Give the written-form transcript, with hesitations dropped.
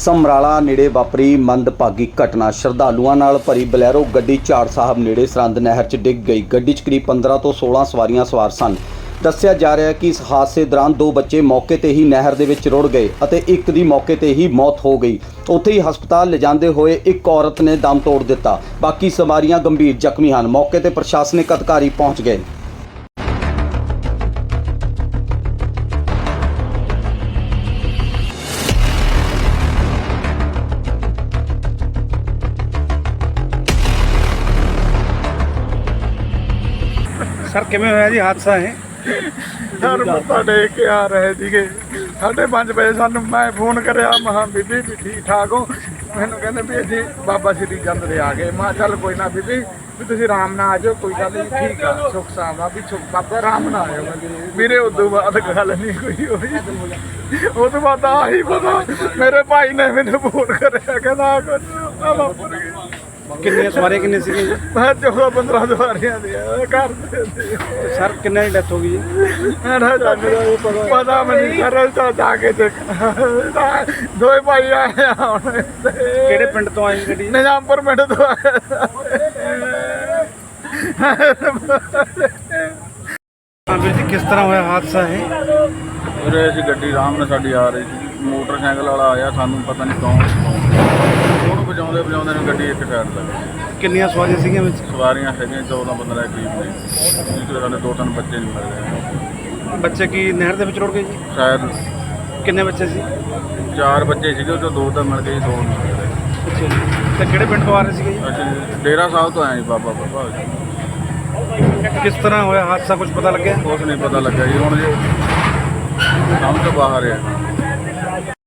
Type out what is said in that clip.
ਸਮਰਾਲਾ ਨੇੜੇ ਵਾਪਰੀ ਮੰਦਭਾਗੀ ਘਟਨਾ। ਸ਼ਰਧਾਲੂਆਂ ਨਾਲ ਭਰੀ ਬਲੈਰੋ ਗੱਡੀ ਝਾੜ ਸਾਹਿਬ ਨੇੜੇ ਸਰੰਦ ਨਹਿਰ 'ਚ ਡਿੱਗ ਗਈ। ਗੱਡੀ 'ਚ ਕਰੀਬ 15 ਤੋਂ 16 ਸਵਾਰੀਆਂ ਸਵਾਰ ਸਨ। ਦੱਸਿਆ ਜਾ ਰਿਹਾ ਹੈ ਕਿ ਇਸ ਹਾਦਸੇ ਦੌਰਾਨ 2 ਬੱਚੇ ਮੌਕੇ ਤੇ ਹੀ ਨਹਿਰ ਦੇ ਵਿੱਚ ਰੁੜ ਗਏ ਅਤੇ ਇੱਕ ਦੀ ਮੌਕੇ ਤੇ ਹੀ ਮੌਤ ਹੋ ਗਈ। ਉੱਥੇ ਹੀ ਹਸਪਤਾਲ ਲਿਜਾਂਦੇ ਹੋਏ ਇੱਕ ਔਰਤ ਨੇ ਦਮ ਤੋੜ ਦਿੱਤਾ। ਬਾਕੀ ਸਵਾਰੀਆਂ ਗੰਭੀਰ ਜ਼ਖਮੀ ਹਨ। ਮੌਕੇ ਤੇ ਪ੍ਰਸ਼ਾਸਨਿਕ ਅਧਿਕਾਰੀ ਪਹੁੰਚ ਗਏ। सर किवें होया जी हादसा है? सर मत्था टेक के आ रहे थे 5:30 बजे सानू मैं फोन कराया महा बीबी भी ठीक ठाक हो। मैनू कहते भी अभी बाबा श्री चंद दे आ गए। मैं चल कोई ना बीबी भी तुसीं आराम नाल आ जाओ, कोई गल नहीं, ठीक है सुख सावा भी बाबा आराम नाल आयो। मेरे उदों बाद गल नहीं कोई होई। उस तो बाद आही पता मेरे भाई ने मैनू फोन कराया कहना कुछ कितनी सवारी कितनी सी? मैं 14-15 सवारियां घर सर किन्ने की डेथ हो गई है? पता नहीं सर जाके देखना। 2 भाई आए किहड़े पिंड तो आई गड्डी? निजामपुर पिंड तो आए। हाँ वीर जी किस तरह होया हादसा है? ਵੀਰੇ ਅਸੀਂ ਗੱਡੀ ਆਰਾਮ ਨਾਲ ਸਾਡੀ ਆ ਰਹੀ ਸੀ, ਮੋਟਰਸਾਈਕਲ ਵਾਲਾ ਆਇਆ, ਸਾਨੂੰ ਪਤਾ ਨਹੀਂ ਕੌਣ ਉਹਨੂੰ ਵਜਾਉਂਦੇ ਨੇ ਗੱਡੀ ਇੱਕ ਸਾਈਡ ਲੱਗ ਗਈ। ਕਿੰਨੀਆਂ ਸਵਾਰੀਆਂ ਸੀਗੀਆਂ ਵਿੱਚ? ਸਵਾਰੀਆਂ ਹੈਗੀਆਂ 14-15 ਦੇ ਕਰੀਬ ਨੇ, ਜਿਹਦੇ ਸਾਡੇ 2-3 ਬੱਚੇ ਨਹੀਂ ਮਿਲ ਰਹੇ। ਬੱਚੇ ਕੀ ਨਹਿਰ ਦੇ ਵਿੱਚ ਰੁੜ ਗਏ ਜੀ? ਸ਼ਾਇਦ ਕਿੰਨੇ ਬੱਚੇ ਸੀ? 4 ਬੱਚੇ ਸੀਗੇ, ਉਹ 'ਚੋਂ 2 ਤਾਂ ਮਿਲ ਗਏ, 2 ਨਹੀਂ ਮਿਲ ਰਹੇ। ਅੱਛਾ ਜੀ। ਤੇ ਕਿਹੜੇ ਪਿੰਡ ਤੋਂ ਆ ਰਹੇ ਸੀਗੇ ਜੀ? ਅਸੀਂ ਡੇਰਾ ਸਾਹਿਬ ਤੋਂ ਆਏ ਜੀ, ਬਾਬਾ ਕਿਸ ਤਰ੍ਹਾਂ ਹੋਇਆ ਹਾਦਸਾ, ਕੁਝ ਪਤਾ ਲੱਗਿਆ? ਕੁਛ ਨਹੀਂ ਪਤਾ ਲੱਗਾ ਜੀ, ਹੁਣ ਜੀ ਸਮਝ ਤੋਂ ਬਾਹਰ ਹੈ।